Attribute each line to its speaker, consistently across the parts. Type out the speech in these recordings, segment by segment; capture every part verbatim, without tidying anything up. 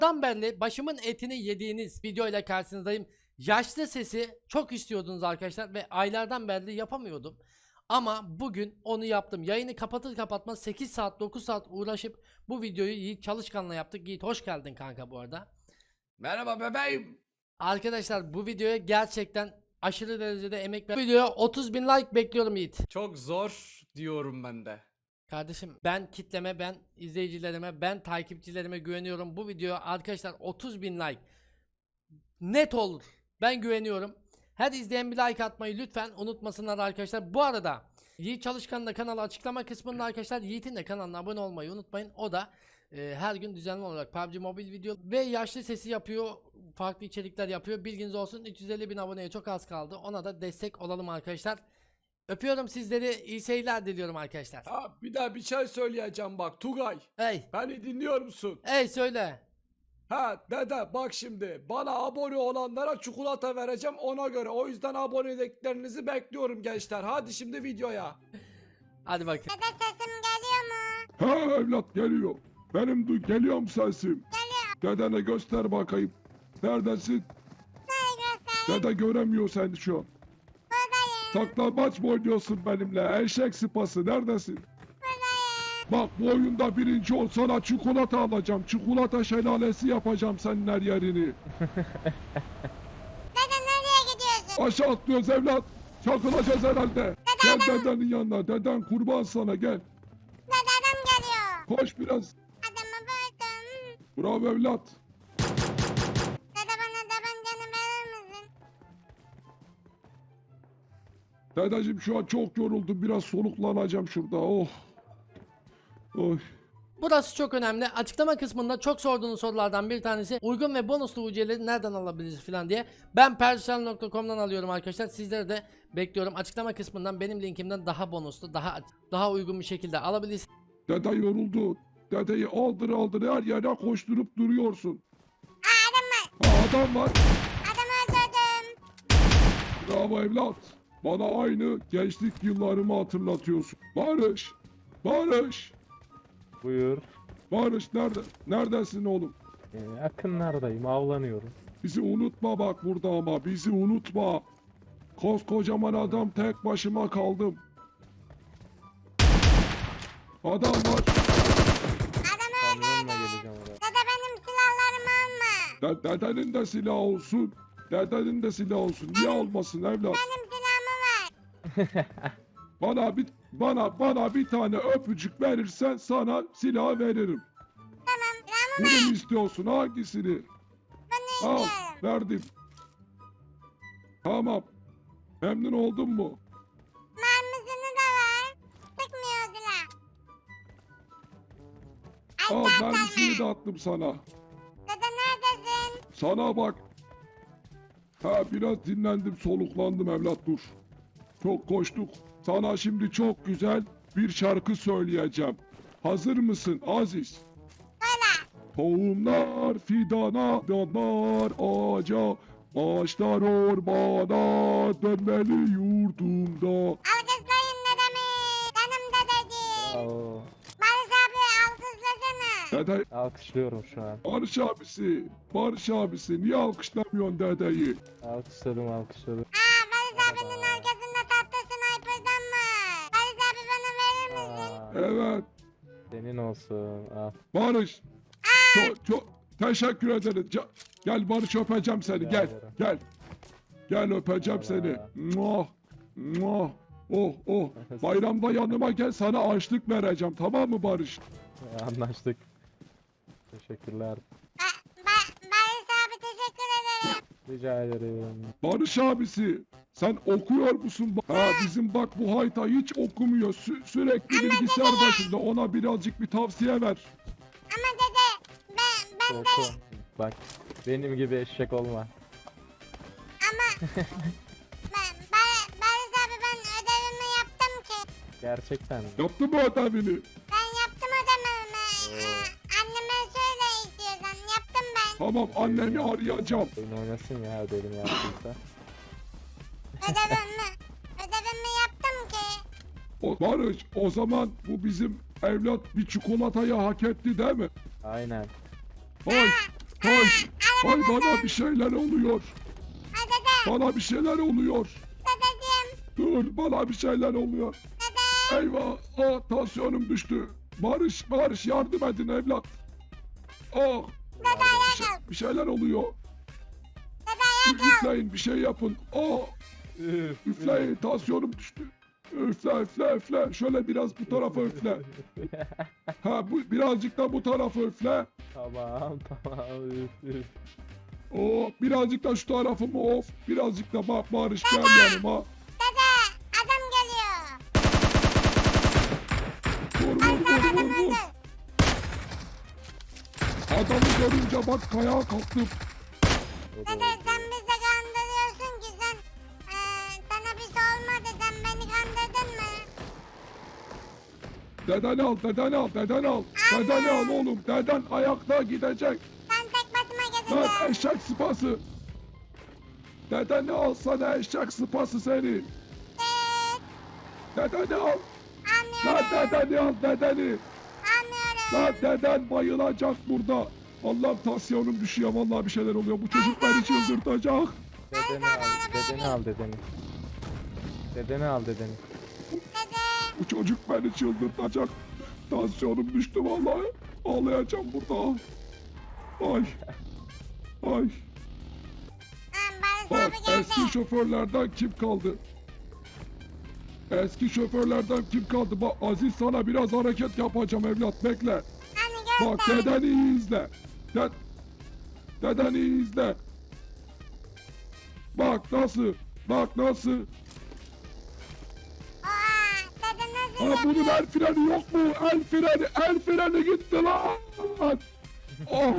Speaker 1: Dan belli başımın etini yediğiniz videoyla karşınızdayım. Yaşlı sesi çok istiyordunuz arkadaşlar ve aylardan beri yapamıyordum. Ama bugün onu yaptım. Yayını kapatır kapatmaz sekiz saat dokuz saat uğraşıp bu videoyu Yiğit Çalışkan'la yaptık. Yiğit hoş geldin kanka bu arada.
Speaker 2: Merhaba bebeğim.
Speaker 1: Arkadaşlar bu videoya gerçekten aşırı derecede emek ver. Bu videoya otuz bin like bekliyorum Yiğit.
Speaker 2: Çok zor diyorum ben de.
Speaker 1: Kardeşim ben kitleme, ben izleyicilerime, ben takipçilerime güveniyorum. Bu video arkadaşlar otuz bin like net olur. Ben güveniyorum. Her izleyen bir like atmayı lütfen unutmasınlar arkadaşlar. Bu arada Yiğit Çalışkan'ın da kanalı açıklama kısmında arkadaşlar. Yiğit'in de kanalına abone olmayı unutmayın. O da e, her gün düzenli olarak P U B G Mobile video ve yaşlı sesi yapıyor. Farklı içerikler yapıyor. Bilginiz olsun, üç yüz elli bin aboneye çok az kaldı. Ona da destek olalım arkadaşlar. Öpüyorum sizleri. İyi seyirler diliyorum arkadaşlar.
Speaker 2: Ha, bir daha bir şey söyleyeceğim bak Tugay.
Speaker 1: Hey.
Speaker 2: Beni dinliyor musun?
Speaker 1: Hey söyle.
Speaker 2: Ha dede bak şimdi bana abone olanlara çikolata vereceğim ona göre. O yüzden aboneliklerinizi bekliyorum gençler. Hadi şimdi videoya.
Speaker 1: Hadi bakın.
Speaker 3: Dede sesim geliyor mu?
Speaker 4: Ha evlat geliyor. Benim du geliyor mu sesim? Geliyor. Dedene göster bakayım. Neredesin?
Speaker 3: Nereye göstereyim?
Speaker 4: Dede göremiyor seni şu an.
Speaker 3: Buradayım.
Speaker 4: Saklambaç mı oynuyorsun benimle? Eşek sıpası neredesin?
Speaker 3: Buradayım.
Speaker 4: Bak bu oyunda birinci ol sana çikolata alacağım. Çikolata şelalesi yapacağım senin her yerini.
Speaker 3: Dede nereye gidiyorsun?
Speaker 4: Aşağı atlıyoruz evlat. Çakılacağız herhalde. Gel dedenin yanına. Deden kurban sana gel.
Speaker 3: Dede adam geliyor.
Speaker 4: Koş biraz.
Speaker 3: Adamı buldum.
Speaker 4: Bravo evlat.
Speaker 3: Dede bana tabancanı verir misin?
Speaker 4: Dedeciğim şu an çok yoruldum. Biraz soluklanacağım şurada. Oh. Oy.
Speaker 1: Burası çok önemli. Açıklama kısmında çok sorduğunuz sorulardan bir tanesi uygun ve bonuslu U C'leri nereden alabiliriz falan diye. Ben persel nokta com'dan alıyorum arkadaşlar. Sizleri de bekliyorum. Açıklama kısmından benim linkimden daha bonuslu, daha daha uygun bir şekilde alabilirsiniz.
Speaker 4: Dede yoruldu. Dedeyi aldır aldır her yere koşturup duruyorsun.
Speaker 3: Aa adam var.
Speaker 4: Ha, adam var.
Speaker 3: Adamı öldürdüm.
Speaker 4: Bravo evlat. Bana aynı gençlik yıllarımı hatırlatıyorsun. Barış. Barış.
Speaker 5: Buyur.
Speaker 4: Barış nerede? Neredesin oğlum?
Speaker 5: Ee, yakınlardayım, avlanıyorum.
Speaker 4: Bizi unutma bak burada ama. Bizi unutma. Koskocaman adam tek başıma kaldım. Adam var.
Speaker 3: Adamı
Speaker 5: Kamyonla
Speaker 3: öldürdüm.
Speaker 5: geleceğim oraya.
Speaker 3: Dede benim silahlarımı alma.
Speaker 4: De dedenin de silahı olsun. Dedenin de silahı olsun. Niye olmasın evlat?
Speaker 3: Benim silahımı ver.
Speaker 4: Bana bir bana bana bir tane öpücük verirsen sana silah veririm.
Speaker 3: Tamam. Silahımı
Speaker 4: Bunu
Speaker 3: ver.
Speaker 4: mu istiyorsun? Hangisini?
Speaker 3: Bunu
Speaker 4: Al,
Speaker 3: istiyorum.
Speaker 4: verdim. Tamam. Memnun oldun mu?
Speaker 3: Mermisini de ver. Sıkmıyor silah.
Speaker 4: Al,
Speaker 3: Ay
Speaker 4: mermisini de
Speaker 3: tatlama.
Speaker 4: attım sana.
Speaker 3: Dede neredesin?
Speaker 4: Sana bak. Ha biraz dinlendim, soluklandım evlat dur. Çok koştuk. Sana şimdi çok güzel bir şarkı söyleyeceğim. Hazır mısın Aziz?
Speaker 3: Böyle.
Speaker 4: Tohumlar fidana, fidanlar ağaca, ağaçlar ormana, dönmeli yurdumda.
Speaker 3: Alkışlayın dedemi. Canım dedeciğim.
Speaker 5: Bravo.
Speaker 3: Barış abi alkışlasana.
Speaker 4: Dede,
Speaker 5: Alkışlıyorum şu an.
Speaker 4: Barış abisi, Barış abisi niye alkışlamıyorsun dedeyi?
Speaker 5: Alkışladım, alkışladım.
Speaker 3: Aa Barış abinin arkasında tatlı sniper'dan var. Barış abi bana verir misin?
Speaker 5: Aa,
Speaker 4: Evet,
Speaker 5: senin olsun. Al.
Speaker 4: Barış. Çok çok teşekkür ederim. Ca- Gel Barış öpeceğim seni. Gel.
Speaker 5: ederim.
Speaker 4: Gel. Gel öpeceğim seni.
Speaker 5: Allah.
Speaker 4: Muah. Muah. Oh oh. Bayramda yanıma gel sana açlık vereceğim. Tamam mı Barış?
Speaker 5: Anlaştık. Teşekkürler.
Speaker 3: Ba ba Barış abi teşekkür ederim.
Speaker 5: Rica ederim.
Speaker 4: Barış abisi. Sen okuyor musun? Ha bizim bak bu hayta hiç okumuyor. Sü- sürekli bilgisayar başında. Ona birazcık bir tavsiye ver.
Speaker 3: Ama dede ben ben de
Speaker 5: Oku. Bak, benim gibi eşek olma.
Speaker 3: ama ben, Bar Barış abi ben ödevimi yaptım ki.
Speaker 5: Gerçekten mi?
Speaker 4: Yaptın mı ödevini?
Speaker 3: Ben yaptım ödevimi. Aa, anneme söyle istiyorsan yaptım ben.
Speaker 4: Tamam annemi arayacağım.
Speaker 5: Oyun oynasın ya, ödevini yaptıysa.
Speaker 3: Ödevimi ödevimi yaptım ki.
Speaker 4: O, Barış o zaman bu bizim evlat bir çikolatayı hak etti değil mi?
Speaker 5: Aynen.
Speaker 4: Ay Hay, hay bana bir şeyler oluyor.
Speaker 3: Ay dede.
Speaker 4: Bana bir şeyler oluyor.
Speaker 3: Dedeciğim.
Speaker 4: Dur, bana bir şeyler oluyor.
Speaker 3: Dede.
Speaker 4: Eyvah, ah tansiyonum düştü. Barış, Barış yardım edin evlat. Ah,
Speaker 3: Dede
Speaker 4: bir,
Speaker 3: ayağa
Speaker 4: şey-
Speaker 3: kalk.
Speaker 4: bir şeyler oluyor.
Speaker 3: Dede ayağa kalk.
Speaker 4: Üfleyin, bir şey yapın. Ah,
Speaker 5: Üf,
Speaker 4: üfleyin, tansiyonum düştü. Üfle, üfle, üfle. Şöyle biraz bu tarafa üfle. Ha, bu birazcık da bu tarafa üfle.
Speaker 5: Tamam tamam üf üf.
Speaker 4: Oh, birazcık da şu tarafıma of. Birazcık da bak Barış gel yanıma.
Speaker 3: Dede. Adam geliyor.
Speaker 4: Vur, vur, vur, vur, vur.
Speaker 3: Öldür.
Speaker 4: Adamı görünce bak kayağa kalktım.
Speaker 5: O da
Speaker 3: Dede sen bizi kandırıyorsun ki sen. Eee sana bir şey olmadı. Sen beni kandırdın mı?
Speaker 4: Dedeni al, dedeni al, dedeni al. Dedeni al oğlum. Deden ayakta gidecek.
Speaker 3: Ben tek başıma
Speaker 4: Lan
Speaker 3: gezeceğim.
Speaker 4: eşek sıpası. Dedeni alsana eşek sıpası seni.
Speaker 3: Evet.
Speaker 4: Dedeni al. Lan
Speaker 3: Anlıyorum.
Speaker 4: dedeni al, dedeni.
Speaker 3: Anlıyorum.
Speaker 4: Lan deden bayılacak burada. Allah'ım tansiyonum düşüyor. Vallahi bir şeyler oluyor. Bu çocuk beni çıldırtacak.
Speaker 5: dedeni al, dedeni al dedeni. Dedeni al dedeni.
Speaker 3: Dede.
Speaker 4: Bu çocuk beni çıldırtacak. Tansiyonum düştü vallahi. Ağlayacağım burada. Ay. Ay.
Speaker 3: Lan Barış
Speaker 4: Bak
Speaker 3: abi geldi.
Speaker 4: eski şoförlerden kim kaldı? Eski şoförlerden kim kaldı? Bak Aziz sana biraz hareket yapacağım evlat bekle.
Speaker 3: Hani
Speaker 4: Bak
Speaker 3: göster.
Speaker 4: dedeni iyi izle. De dedeni iyi izle. Bak nasıl? Bak nasıl?
Speaker 3: Oha. Dede nasıl
Speaker 4: Ha bunun
Speaker 3: yapıyor?
Speaker 4: el freni yok mu? El freni, el freni gitti lan. Oh.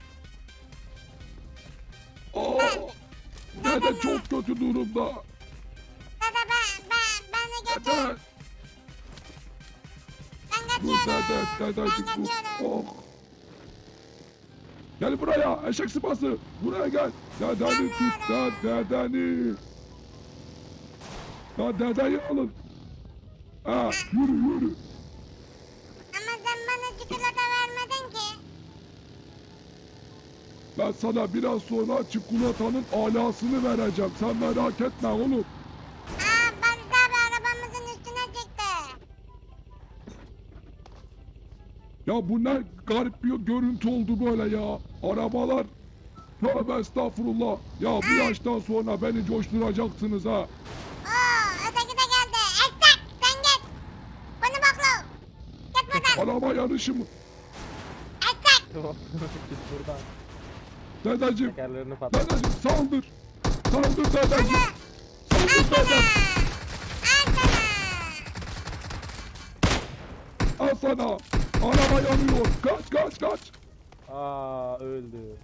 Speaker 4: Oh. Dede çok kötü durumda.
Speaker 3: Dede ben, ben, beni götür.
Speaker 4: Dede.
Speaker 3: Ben
Speaker 4: Dur
Speaker 3: kaçıyorum.
Speaker 4: dede, dedecik
Speaker 3: Ben
Speaker 4: dur.
Speaker 3: kaçıyorum.
Speaker 4: Oh. Gel buraya eşek sıpası. Buraya gel. Dedeni tut da dedeni. Ya dedeyi alın. Ha yürü yürü.
Speaker 3: Ama sen bana çikolata vermedin ki.
Speaker 4: Ben sana biraz sonra çikolatanın alasını vereceğim. Sen merak etme oğlum.
Speaker 3: Aa Barış abi arabamızın üstüne çıktı.
Speaker 4: Ya bu ne garip bir görüntü oldu böyle ya. Arabalar. Tövbe estağfurullah. Ya bu yaştan sonra beni coşturacaksınız ha.
Speaker 3: Oo öteki de geldi. Estek sen git. Bunu bakla. Git buradan.
Speaker 4: Araba yarışı mı?
Speaker 3: Estek.
Speaker 5: Git buradan.
Speaker 4: Dedeciğim.
Speaker 5: Tekerlerini patlat.
Speaker 4: Dedeciğim saldır. Saldır dedeciğim.
Speaker 3: Al
Speaker 4: Saldır
Speaker 3: sana.
Speaker 4: dedeciğim.
Speaker 3: Al sana.
Speaker 4: Al sana. Araba yanıyor. Kaç kaç kaç.
Speaker 5: Aa öldü.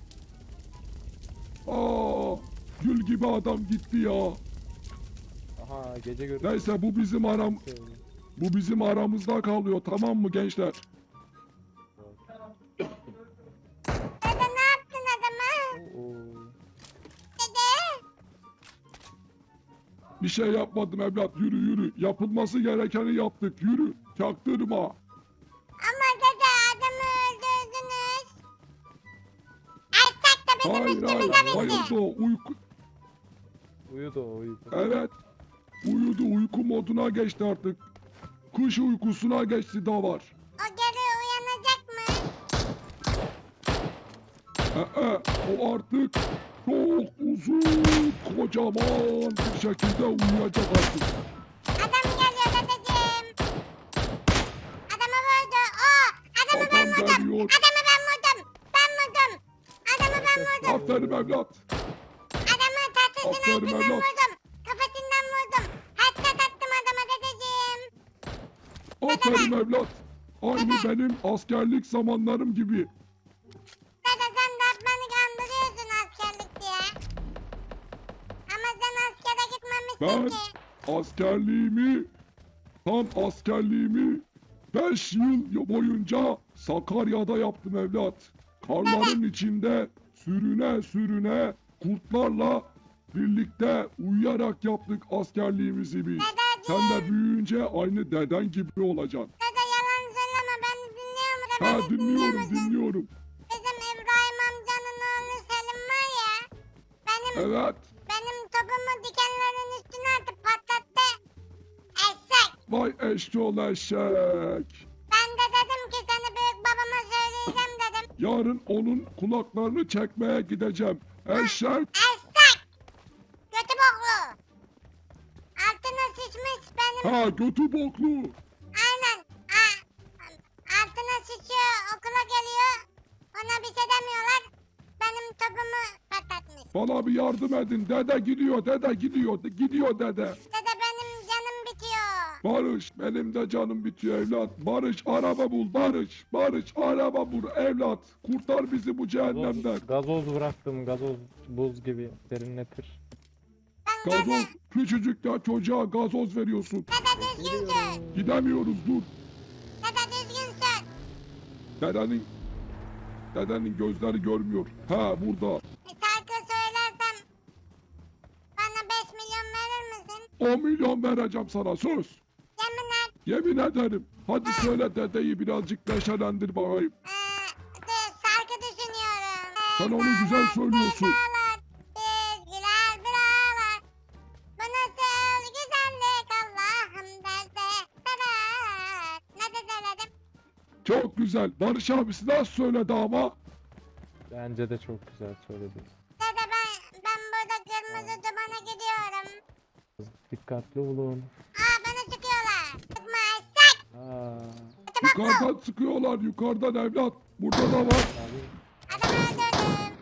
Speaker 4: Aa, gül gibi adam gitti ya.
Speaker 5: Aha gece görüşü.
Speaker 4: Neyse bu bizim aram bu bizim aramızda kalıyor tamam mı gençler?
Speaker 3: Dede ne yaptın adama?
Speaker 5: Oo.
Speaker 3: Dede.
Speaker 4: Bir şey yapmadım evlat yürü yürü. Yapılması gerekeni yaptık yürü. Çaktırma.
Speaker 3: Ama dede adamı öldürdünüz. Estek de bizim
Speaker 4: Hayır
Speaker 3: üstümüze
Speaker 4: hayır
Speaker 3: bindi.
Speaker 4: bayıldı o uyku.
Speaker 5: Uyudu o uyudu.
Speaker 4: Evet. Uyudu uyku moduna geçti artık. Kış uykusuna geçti da var.
Speaker 3: O geri uyanacak mı?
Speaker 4: Ee, o artık çok uzun kocaman bir şekilde uyuyacak artık.
Speaker 3: Adam geliyor dedeciğim. Adamı vurdu. O adamı ben
Speaker 4: Adam
Speaker 3: vurdum.
Speaker 4: geliyor.
Speaker 3: Adamı ben vurdum. Ben vurdum. Adamı ben vurdum.
Speaker 4: Aferin evlat.
Speaker 3: Adamı tatlısının
Speaker 4: Aferin
Speaker 3: altından
Speaker 4: evlat.
Speaker 3: vurdum. Kafasından vurdum. Hatta tattım adama dedeciğim.
Speaker 4: Aferin evlat. Aynı benim askerlik zamanlarım gibi.
Speaker 3: Dede sen de beni kandırıyorsun askerlik diye. Ama sen askere gitmemişsin
Speaker 4: Ben
Speaker 3: ki.
Speaker 4: askerliğimi, tam askerliğimi beş yıl boyunca Sakarya'da yaptım evlat. Karların içinde sürüne sürüne kurtlarla birlikte uyuyarak yaptık askerliğimizi biz. Sen de büyüyünce aynı deden gibi olacaksın.
Speaker 3: Dede yalan söyleme beni dinliyor musun?
Speaker 4: Ha
Speaker 3: Beni dinliyor
Speaker 4: dinliyorum
Speaker 3: musun?
Speaker 4: dinliyorum.
Speaker 3: Bizim İbrahim amcanın
Speaker 4: Evet.
Speaker 3: benim topumu dikenlerin üstüne atıp patlattı. Eşek.
Speaker 4: Vay eşşoğlu eşek.
Speaker 3: Ben de dedim ki seni büyük babama söyleyeceğim dedim.
Speaker 4: Yarın onun kulaklarını çekmeye gideceğim. Eşek.
Speaker 3: Eşek. Kötü boklu. Altına sıçmış benim.
Speaker 4: Ha götü boklu.
Speaker 3: Aynen. Ha, altına sıçıyor okula geliyor. Ona bir şey demiyorlar. Benim topumu patlatmış.
Speaker 4: Bana bir yardım edin. Dede gidiyor, dede gidiyor, gidiyor dede.
Speaker 3: Dede benim canım bitiyor.
Speaker 4: Barış, benim de canım bitiyor evlat. Barış, araba bul, Barış. Barış, araba bul evlat. Kurtar bizi bu cehennemden.
Speaker 5: Gazoz, gazoz bıraktım. Gazoz buz gibi serinletir.
Speaker 3: Ben
Speaker 4: Gazoz,
Speaker 3: gazoz.
Speaker 4: küçücük ya çocuğa gazoz veriyorsun.
Speaker 3: Dede düzgün sür.
Speaker 4: Gidemiyoruz dur.
Speaker 3: Dede düzgün sür.
Speaker 4: Dedenin, dedenin gözleri görmüyor. Ha burada.
Speaker 3: Bir şarkı söylersem bana beş milyon verir misin?
Speaker 4: on milyon vereceğim sana söz.
Speaker 3: Yemin et.
Speaker 4: Yemin ederim. Hadi söyle dedeyi birazcık neşelendir bakayım.
Speaker 3: Ee, de- şarkı düşünüyorum. Ee,
Speaker 4: Sen onu güzel söylüyorsun.
Speaker 3: Ağlar, bir güler bir ağlar. Bu nasıl güzellik Allah'ım derse sever. Ne de söyledim?
Speaker 4: Çok güzel. Barış abisi nasıl söyledi ama?
Speaker 5: Bence de çok güzel söyledi.
Speaker 3: Dede ben, ben burada kırmızı dumana gidiyorum.
Speaker 5: Dikkatli olun.
Speaker 3: Aa bana çıkıyorlar. Sıkma eşek.
Speaker 5: Aa,
Speaker 4: Yukarıdan sıkıyorlar. Yukarıdan evlat. Burada da var.
Speaker 5: abi,
Speaker 3: Adamı öldürdüm.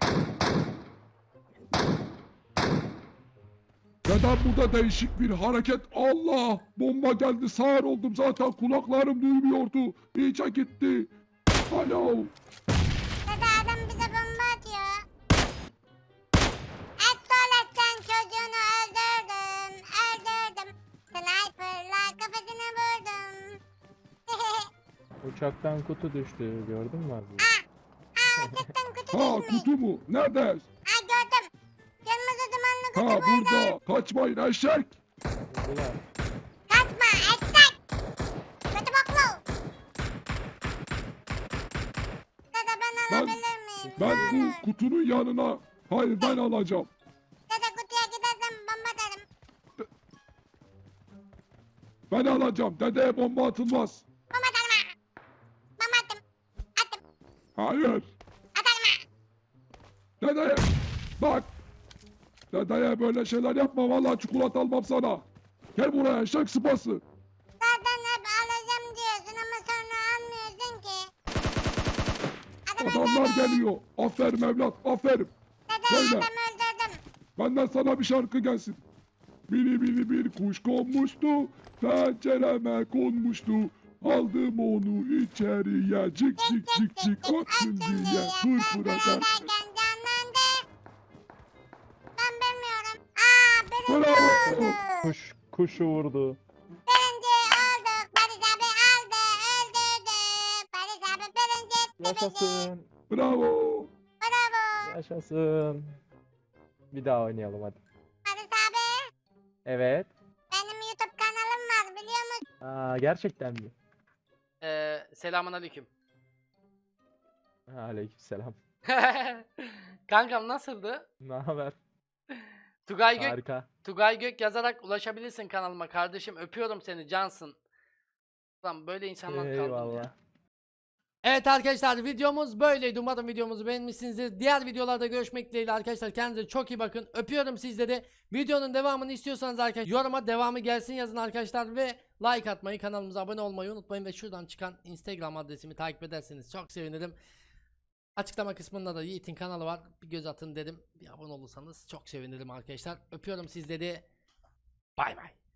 Speaker 4: Neden burada değişik bir hareket? Allah! Bomba geldi. Sağır oldum zaten. Kulaklarım duymuyordu. İyice gitti. Alo.
Speaker 3: Dede adam bize bomba atıyor. Et tuvaletten çocuğunu öldürdüm. Öldürdüm. Sniper'la kafasına vurdum.
Speaker 5: uçaktan kutu düştü. Gördün mü abi?
Speaker 3: Aa cidden kutu
Speaker 4: Ha
Speaker 3: düşmüş.
Speaker 4: kutu mu? Nerede?
Speaker 3: Aa gördüm. Kırmızı dumanlı kutu
Speaker 4: Ha
Speaker 3: burada.
Speaker 4: burada. Kaçmayın eşek.
Speaker 5: Ulan,
Speaker 3: Kaçma eşek. Kötü boklu. Dede ben
Speaker 4: Ben-
Speaker 3: alabilir miyim?
Speaker 4: Ben
Speaker 3: Ne olur?
Speaker 4: bu kutunun yanına. Hayır ben alacağım.
Speaker 3: Dede kutuya gidersem bomba derim.
Speaker 4: Ben alacağım. Dedeye bomba atılmaz.
Speaker 3: Bomba derim ha. Bomba attım. Attım.
Speaker 4: Hayır.
Speaker 3: Atarım ha.
Speaker 4: Dedeye. Bak. Dedeye böyle şeyler yapma. Vallahi çikolata almam sana. Gel buraya eşek sıpası.
Speaker 3: Zaten hep alacağım diyorsun ama sonra almıyorsun ki. Adamı
Speaker 4: Adamlar
Speaker 3: öldürdüm.
Speaker 4: geliyor. Aferin evlat. Aferin.
Speaker 3: Dede
Speaker 4: Söyle.
Speaker 3: adamı öldürdüm.
Speaker 4: Benden sana bir şarkı gelsin. Mini mini bir kuş konmuştu. Pencereme konmuştu. Aldım onu içeriye. Cik cik cik cik. Ötsün diye. Fırfır eder.
Speaker 3: Derken canlandı. Ben bilmiyorum. Aa birinci
Speaker 4: Bravo.
Speaker 3: oldu.
Speaker 5: kuş, kuşu vurdu.
Speaker 3: Birinci olduk. Barış abi aldı. Öldürdü. Barış abi birinci etti bizi.
Speaker 5: Yaşasın.
Speaker 4: Bravo.
Speaker 3: Bravo.
Speaker 5: Yaşasın. Bir daha oynayalım hadi.
Speaker 3: Barış abi.
Speaker 5: Evet.
Speaker 3: Benim YouTube kanalım var biliyor musun?
Speaker 5: Aa, gerçekten mi?
Speaker 1: Ee, selamun aleyküm.
Speaker 5: Aleykümselam.
Speaker 1: Kankam nasıldı?
Speaker 5: Ne haber?
Speaker 1: Tugay Gök,
Speaker 5: Harika.
Speaker 1: Tugay Gök yazarak ulaşabilirsin kanalıma kardeşim. Öpüyorum seni cansın. Lan böyle insanlar kaldı mı ya?
Speaker 5: Eyvallah.
Speaker 1: Evet arkadaşlar videomuz böyleydi. Umarım videomuzu beğenmişsinizdir. Diğer videolarda görüşmek dileğiyle arkadaşlar. Kendinize çok iyi bakın. Öpüyorum sizleri. Videonun devamını istiyorsanız arkadaşlar yoruma devamı gelsin yazın arkadaşlar. Ve like atmayı, kanalımıza abone olmayı unutmayın. Ve şuradan çıkan Instagram adresimi takip ederseniz çok sevinirim. Açıklama kısmında da Yiğit'in kanalı var. Bir göz atın dedim. Bir abone olursanız çok sevinirim arkadaşlar. Öpüyorum sizleri. Bay bay.